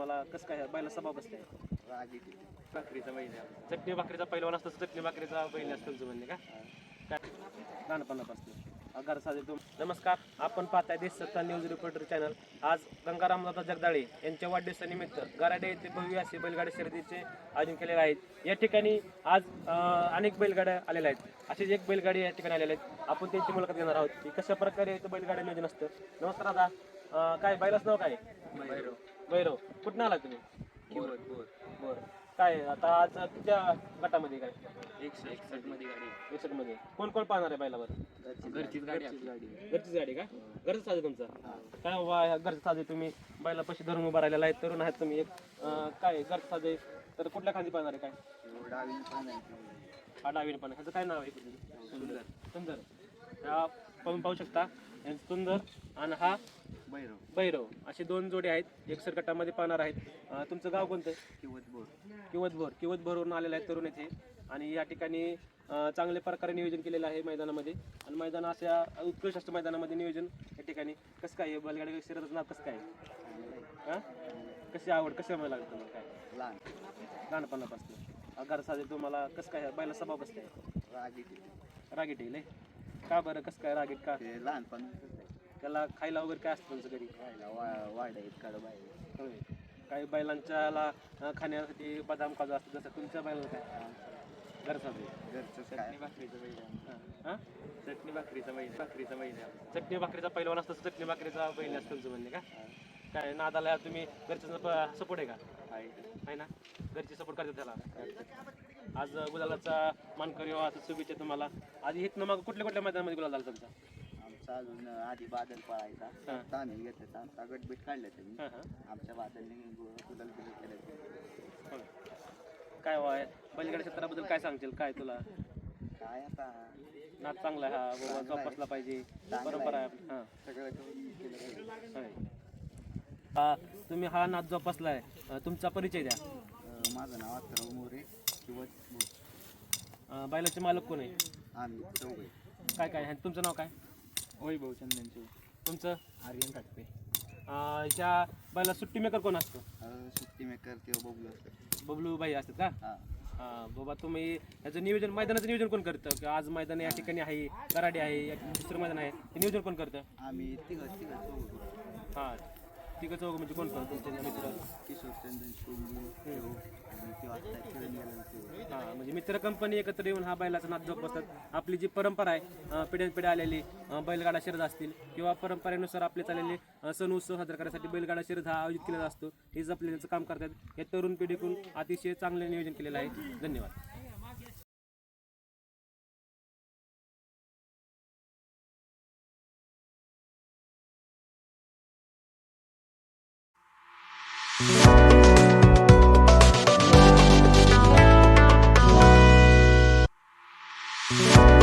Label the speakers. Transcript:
Speaker 1: तुम्हाला कसं काय बैला स्वभाव कसं काय?
Speaker 2: रागीट भाकरीचा महिना.
Speaker 1: चटणी भाकरीचा पहिलवान असतो चटणी भाकरीचा बैल असतो तुमचं म्हणणे का? काय लहानपणापासून घर साधे नमस्कार, आपण पाहताय देशसत्ता न्यूज रिपोर्टर चॅनल. आज गंगारामदादा जगदाळे यांच्या वाढदिवसानिमित्त गराडे येथे भव्य असे बैलगाडी शर्यतीचे आयोजन केलेले आहेत. या ठिकाणी आज अनेक बैलगाड्या आलेल्या आहेत. अशीच एक बैलगाडी या ठिकाणी आलेल्या आहेत. आपण त्यांची मुलाखत घेणार आहोत की कशा प्रकारे इथं बैलगाडी नियोजन असतं. नमस्कार दादा, काय बैलाचं नाव काय? भैरव. कुठून आला तुम्ही? बरं. काय आता आज त्या गटामध्ये काय
Speaker 2: 161 मध्ये गाडी.
Speaker 1: 61 मध्ये कोण कोण पाहणार आहे बैलावर?
Speaker 2: घरचीच गाडी.
Speaker 1: घरचीच गाडी का? घरचं साधे तुमचं काय बाबा? ह्या घरचं साधे तुम्ही बैला पैसे धरून उभा राहिलेला आहे, तरुण आहेत तुम्ही. एक काय घरचं साधे तर कुठल्या खांदी पाहणार आहे? काय
Speaker 2: डावीने पण आहे.
Speaker 1: हा डावीने पण. ह्याचं काय नाव आहे? सुंदर. ह्या आपण पाहू शकता सुंदर आणि हा भैरव असे दोन जोडे आहेत. एकसर गटामध्ये पाहणार आहेत. तुमचं गाव कोणतं? किवतभोरवरून आलेलं आहे तरुण येथे. आणि या ठिकाणी चांगल्या प्रकारे नियोजन केलेलं आहे मैदानामध्ये. आणि मैदान अशा उत्कृष्ट असतं मैदानामध्ये नियोजन. या ठिकाणी कसं काय बैलगाडी शर्यतीचं नाव कसं काय? हां, कशी आवड कशी मला लागतं तुम्हाला? काय लहानपणापासून घर साधे तुम्हाला कसं काय बैला स्वभाव कसं काय? रागीट येईल का बरं? कसं काय रागीट का?
Speaker 2: लहानपण
Speaker 1: त्याला खायला वगैरे काय असतं तुमचं घरी?
Speaker 2: खायला वाढ आहेत काढ बाहेर.
Speaker 1: होय. काही बैलांच्याला खाण्यासाठी बदाम काजू असतं, जसं तुमच्या बैलाला काय?
Speaker 2: घरचं चटणी भाकरीचा महिना.
Speaker 1: हां,
Speaker 2: चटणी भाकरीचा महिना.
Speaker 1: चटणी भाकरीचा पहिलवान असतं चटणी भाकरीचा बैल असतं तुमचं म्हणणे का? काय नादाला तुम्ही घरच्याचा सपोर्ट आहे का? आहे ना, घरची सपोर्ट करतात त्याला. आज गुलालाचा मानकरी असं शुभेच्छा तुम्हाला. आधी इथनं मग कुठल्या मैदानामध्ये गुलाल झाला तुमचा?
Speaker 2: आमचा अजून आधी बादल पळायचा. आम्ही घेतलं आमचा गटबीट काढलं त्यांनी. आमच्या बादलने गुलाल केलं.
Speaker 1: काय वाय बैलगाडी क्षेत्राबद्दल काय सांगतील? काय तुला
Speaker 2: काय आता
Speaker 1: नाद चांगला आहे हा बाबा, जोपासला पाहिजे, परंपरा आहे. हां,
Speaker 2: सगळं केलं.
Speaker 1: तुम्ही हा नाद जोपासला आहे. तुमचा परिचय द्या.
Speaker 2: माझं नाव अथर्व मोरे.
Speaker 1: बैलाचे मालक कोण आहे?
Speaker 2: आम्ही चौघे.
Speaker 1: काय तुमचं नाव काय?
Speaker 2: वैभव चंदनचे.
Speaker 1: तुमचं?
Speaker 2: आर्यन काटपे.
Speaker 1: ह्या बैला सुट्टी मेकर कोण असतो?
Speaker 2: सुट्टी मेकर किंवा बबलू असतात.
Speaker 1: बबलू भाई असतात का? हां बाबा, तुम्ही ह्याचं नियोजन मैदानाचं नियोजन कोण करतं? की आज मैदान या ठिकाणी आहे, कराडी आहे, दुसरं मैदान आहे, ते नियोजन कोण करतं?
Speaker 2: आम्ही तिघं
Speaker 1: हां, तिघं चौघं म्हणजे कोण करतो तुमचे मित्र?
Speaker 2: किशोर चंदन शिवली आणि ते वाजता खेळून गेला.
Speaker 1: हां, म्हणजे मित्र कंपनी एकत्र येऊन हा बैलाचा नाद जोपासतात. आपली जी परंपरा आहे, पिढ्यानपिढ्या आलेली बैलगाडा शर्यत असतील किंवा परंपरेनुसार आपले चाललेले सण उत्सव साजरा करण्यासाठी बैलगाडा शर्यत हा आयोजित केलेला असतो. हे जपले त्यांचं काम करतात. हे तरुण पिढीकडून अतिशय चांगले नियोजन केलेलं आहे. धन्यवाद.
Speaker 3: Yeah.